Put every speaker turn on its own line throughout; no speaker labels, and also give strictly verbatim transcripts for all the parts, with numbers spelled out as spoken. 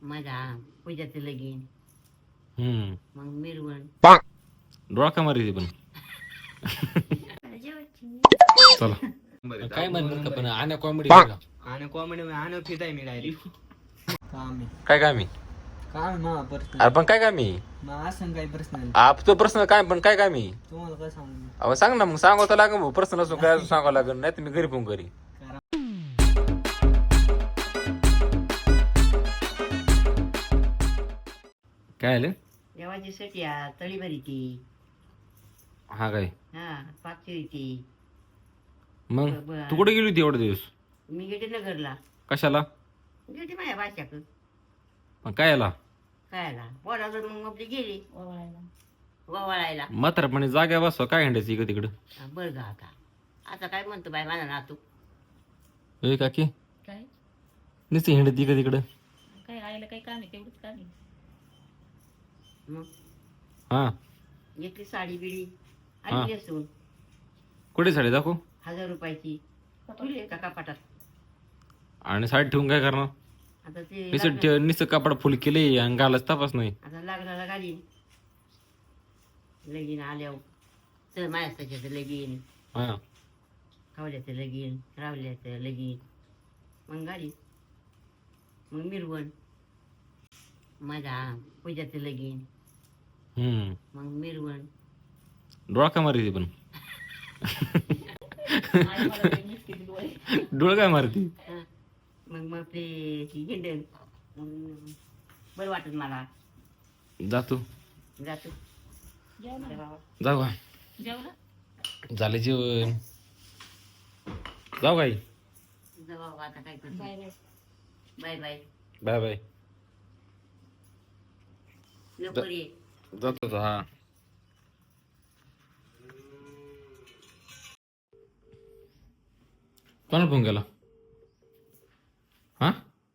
माझा पूजाचं लगीन
हम्म
मग मिरवण
डोळा का मारी पण चला काय म्हणतात का पण आण्या कॉमेडी
आणि कॉमेडी आणि फित आहे मी डायरेक्ट काम आहे
काय काय मी
काम ना पर्सनल
अरे पण काय काय मी
मग असं काही पर्सनल
आप तो प्रश्न काय पण काय काय मी
तुम्हाला काय सांगू
अहो सांग ना मग सांगावं तर लागेल प्रश्न असून काय सांगावं लागेल नाही तर मी घरी फोन करी काय आलं
देवाची सटिया तळी भरी ती
हा काय
हा पाचवी ती
मग
बरं.
तू कुठे गेली होती एवढे दिवस
मी गेले नगरला
कशाला
गेली माझ्या बाच्याक
पण काय आला
काय आला बोलावलं मग आपली गेली ववाळायला
म्हातारपणे जाग्या बसवा काय हिंडायचं इकडे तिकडं
बरं गा आता आता काय म्हणतो बाय माझा नातू
ए काकी
काय
नुसती हिंडत इकडे तिकडं
काय आईला काही काम आहे तेवढंच काम आहे.
मग
हा
घेतली साडी बिडी
हा.
आणि नेसून
कुठे साडी दाखव
हजार रुपयाची तुले का कपाटात
आणि साडी ठेवून काय करणार
आता ते
नुसतं
लग्न-
ठे- नुसतं कापड फुल केले आणि घालाच तपास नाही
आता लग्नाला घालीन लगीन आल्यावर चल माझ्या त्याच्याचं लगीन
हा
खावल्याचं लगीन रावल्याचं लगीन मग घालीन मग मिरवण माझा पूजाचं लगीन
हम्म
मग मिरवण
डोळा का मारती पण
आई मला काही नुसती डोळे.
डोळा काय मारती
हा. मग मग ते हिंडण बरं वाटत मला
जातो
जातो
जेवला
अरे बाबा.
जाऊ का
जेवला
झालं जेवण जाऊ काही
जाऊ बाबा, आता काय करतो
bye bye
bye bye
bye bye
लवकर ये
जातो तो, हा कोणाला फोन केला हा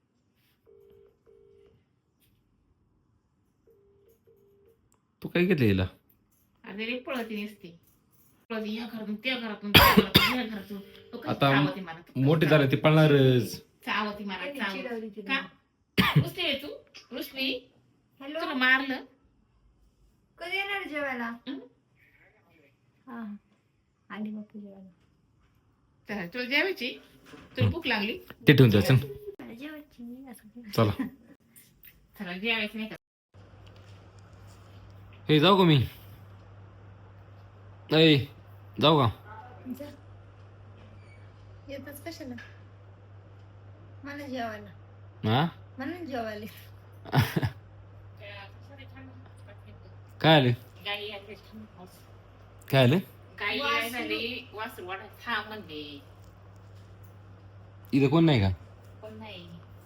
तू काय घेतलं हिला
अरे रे पळती नसते पळती या घरातून त्या घरातून त्या घरातून या घरातून तो कशी
आता
चावती मला तो कशी
मोठी झाले ती पळणारच
चावती मला चावती का रुसली आहे तू रुसली
हॅलो
तुला मारलं
कधी येणार जेवायला
हं?
हा आली बापू जेवायला
तर तुला जेवायची तुला भूक लागली
ते ठेवून द्या चल
मला जेवायची मी असं काही.
चला
चला जेवायचं नाही का
हे जाऊ का मी ऐ जाऊ का
जा. येतच कशाला मला जेवायला
हा
मला जेवायला
काय आले
गाई आली
काय आले
गाई आहे झाली वासरू वाटा थांब म्हणते
इथं कोण नाही का
पण नाही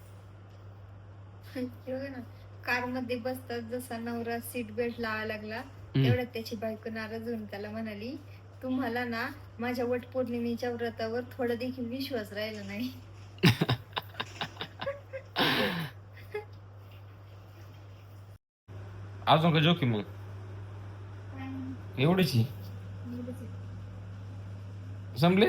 बघा ना कार मध्ये बसतात जसा नवरा सीट बेल्ट लावायला लागला तेवढ्यात त्याची बायको नाराज होऊन त्याला म्हणाली तुम्हाला ना माझ्या वटपौर्णिमेच्या व्रतावर थोडा देखील विश्वास राहिला नाही
अजून का जोकी मग एवढीच संपले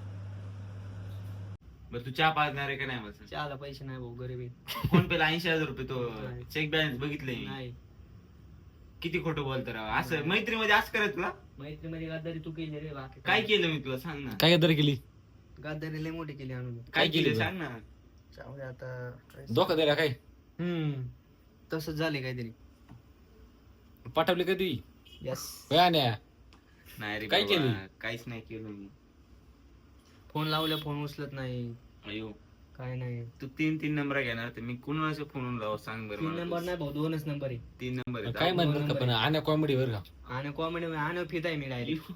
बरं तू चहा पाजणार आहे का नाही बस
चहाला पैसे नाही भाऊ गरीबी
फोन पेला ऐंशी हजार रुपये तो
नाही.
चेक बॅलन्स बघितले मी.
नाही
किती खोटं बोलतो राव असं मैत्रीमध्ये असं करत तुला
मैत्रीमध्ये गद्दारी तू केली रे बाकी
काय केलं मी तुला सांग ना
काय गद्दारी केली
गद्दारी लय मोठी केली आणून
काय
केलं
केलं
तू?
सांग ना
जाऊदे आता काय-
धोका दिला काय
हम्म तसंच झाले काहीतरी
पाठवले कधी
यस
आण्या
नाही रे
काय
बाबा,
केलं?
काहीच नाही केलं मी
फोन लावल्या फोन उचलत नाही
अयो
काय नाही
तू तीन तीन नंबर घेणार तर मी कुणाच्या फोन लाव सांग बरं
तीन
मला
नंबर
तू.
नाही भाऊ दोनच नंबर आहे
तीन नंबर आहेत.
काय म्हणतात का पण आण्या कॉमेडी वर का
आणि कॉमेडी आणि फित आहे मी डायरेक्ट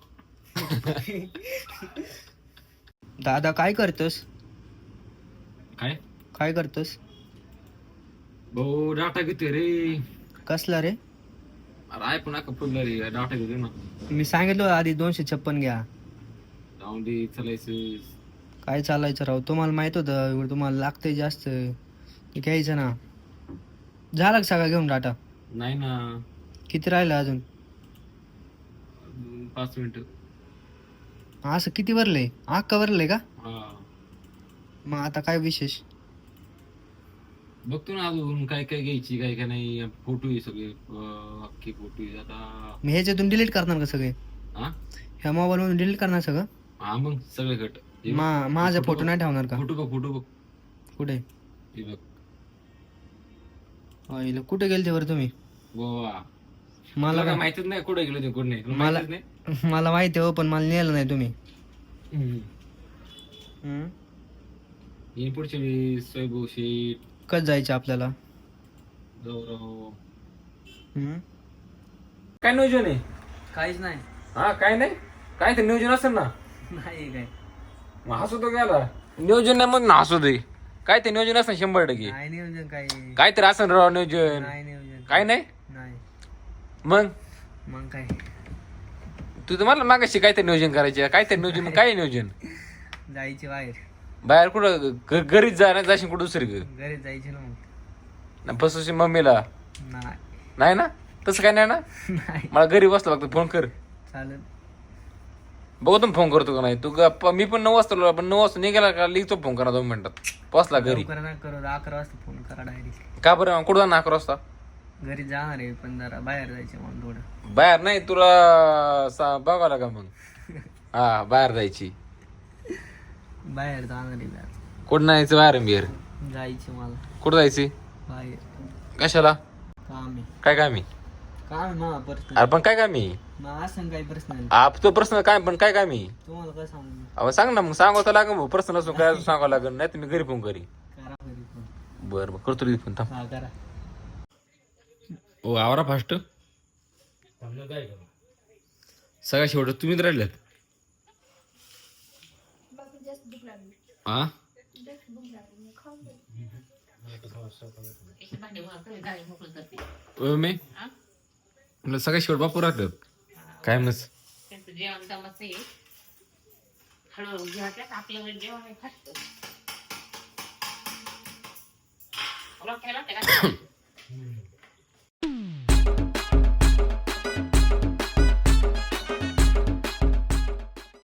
दादा काय करतोस
काय
काय करतोस
भाऊ डाटा घेतोय रे
कसला रे
अरे आय पण फुटला रे डाटा घेतोय ना
मी सांगितलं होतं आधी दोनशे छप्पन घ्या
जाऊन दे चालायचं
काय चालायचं राव तुम्हाला माहित होतं एवढं तुम्हाला लागतंय जास्त ते घ्यायचं ना झाला का सगळा घेऊन डाटा
नाही ना
किती राहिलं अजून
अजून पाच मिनिट
असं किती भरलंय अख्खा भरलंय का
हा
मग आता काय विशेष
बघतो ना अजून काय काय घ्यायची काय काय नाही. फोटो आहे सगळे अं, अख्खे फोटो आहे आता.
मी ह्याच्यातून डिलीट करणार का सगळे?
हा
ह्या मोबाईल मधून डिलीट करणार सगळं?
हा मग सगळे गट हे बघ,
मा माझा
फोटो
फोटो
बघ.
नाही ठेवणार का?
फोटो बघ फोटो बघ
कुठे?
हे बघ
आईला कुठे गेलते बरं तुम्ही?
वा
मला
मला काय
काय
माहितीच नाही कुठे गेलो ते कुठे नाही तुला
मला-
माहितीच नाही.
मला माहिती आहे हो, पण मला नेलं नाही तुम्ही.
हम्म.
हम्म.
येईन पुढच्या वेळेस स्वयंभू शेठ
कधी जायचं आपल्याला?
गौरव
हम्म.
काय नियोजन आहे?
काहीच नाही.
हा काय नाही काय ते नियोजन असेल ना.
नाही काय
मग हसू तो गेला नियोजन नाही मग ना हसू दे. काय ते नियोजन असं शंभर टक्के
नाही नियोजन काही.
काय तरी असं राव नियोजन.
नाही नियोजन
काय नाही
नाही.
मग
मग काय
तू तर मला मागाशी काय ते नियोजन करायचे काय ते नियोजन काय नियोजन
जायचे बाहेर.
बाहेर कुठं घ- घरीच जा नाही जाशील कुठं दुसरी
घरी जायचे ना मग.
फसवशी मम्मीला
नाही
नाही ना तसं काय नाही ना.
नाही
मला घरी बसला फक्त फोन कर
चालेल.
बघू तुम्ही फोन करतो का नाही तू गप्पा मी पण नऊ वाजता पण नऊ वाजता निघाला का लिहितो फोन करा दोन मिनिटात पोचला घरी.
लवकर ना करू अकरा वाजता फोन करा डायरेक्ट.
का बरं कुठं जाणार अकरा वाजता
घरी जाणार आहे पण जरा बाहेर जायचे म्हणून थोडं.
बाहेर नाही तुला सा- बघावं का मग. हा बाहेर जायची
बाहेर जाणार आहे बाहेर.
कुठं नाही जायचं बाहेर बिहेर
जायचे मला
कुठं जायची
बाहेर.
कशाला
काम आहे.
काय कामी
काम आहे मला पर्सनल.
अरे पण काय कामी
मग असं काही पर्सनल
आप तो प्रश्न काय पण काय कामी
तुम्हाला काय सांगू मी?
अहो सांग ना मग सांगावं तर लागेल भाऊ प्रश्न असून काय सांगावं लागेल नाही तर मी घरी फोन करी.
करा घरी फोन.
बरं बरं करतो रे फोन थांब.
हा करा.
ओ आवरा फास्ट सगळ्या शेवट तुम्हीच राहिल्यात. हा
एक भांडे वर कमी गाडी मोकळं करते.
ओ, मी
हा?
म्हटलं सगळ्या शेवट बापू राहतात काय मस.
त्यांचं जेवण दमाचं आहे. हळूहळू जेवायचं आपलं जेवण आहे फास्ट. तुला काय लागतं का?